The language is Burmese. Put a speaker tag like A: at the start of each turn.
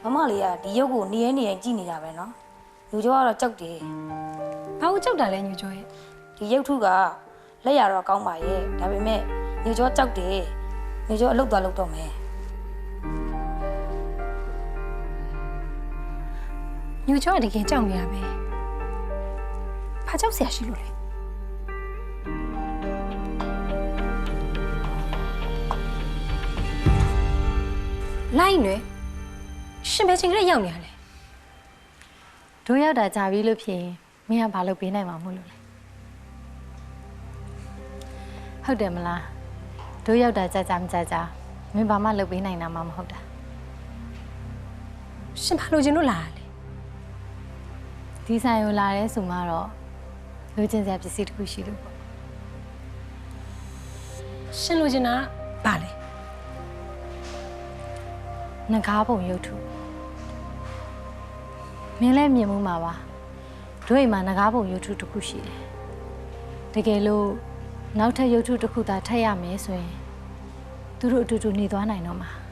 A: မလေးကဒီရုပ်ကိုနေရင်ကြည့်နေတာပဲနော်ညိုကျော်ကတော့ကြောက်တယ်
B: ဘာလို့ကြောက်တာလဲညိုကျော်ရဲ့
A: ဒီရုပ်ထုကလက်ရတော့ကောင်းပါရဲ့ဒါပေမဲ့ညိုကျော်ကြောက်တယ်ညိုကျော်အလုပ်သွားလုပ်တော့မယ်
B: ညိုကျော်ကတကယ်ကြောက်နေတာပဲဘာကြောက်เสียရှိလို့လဲလိုက်နွယ်ရှင်ပဲချင်းကလေးရောက်နေရလဲ
C: တို့ရောက်တာကြာပြီလို့ဖြစ်ရင်မင်းကဘာလုပ်ပေးနိုင်မှာမို့လို့လဲဟုတ်တယ်မလားတို့ရောက်တာကြာမကြာမင်းဘာမှလုပ်ပေးနိုင်တာမှမဟုတ်တာ
B: ရှင်ဘာလို့ချင်းလို့လာလဲ
C: ဒီဆိုင်ကိုလာရဲဆိုမှတော့လိုချင်စရာပစ္စည်းတစ်ခုရှိလို့ပေါ့
B: ရှင်လို့ချင်းတာဘာလဲ
C: ငကားပုံရုပ်ထုမင်းလည်းမြင်မှုမှာပါတို့အိမ်မှာငကားပုံရုပ်ထုတစ်ခုရှိတယ်တကယ်လို့နောက်ထပ်ရုပ်ထုတစ်ခုသာထပ်ရမယ်ဆိုရင်သူတို့အတူတူနေသွားနိုင်တော့မှာ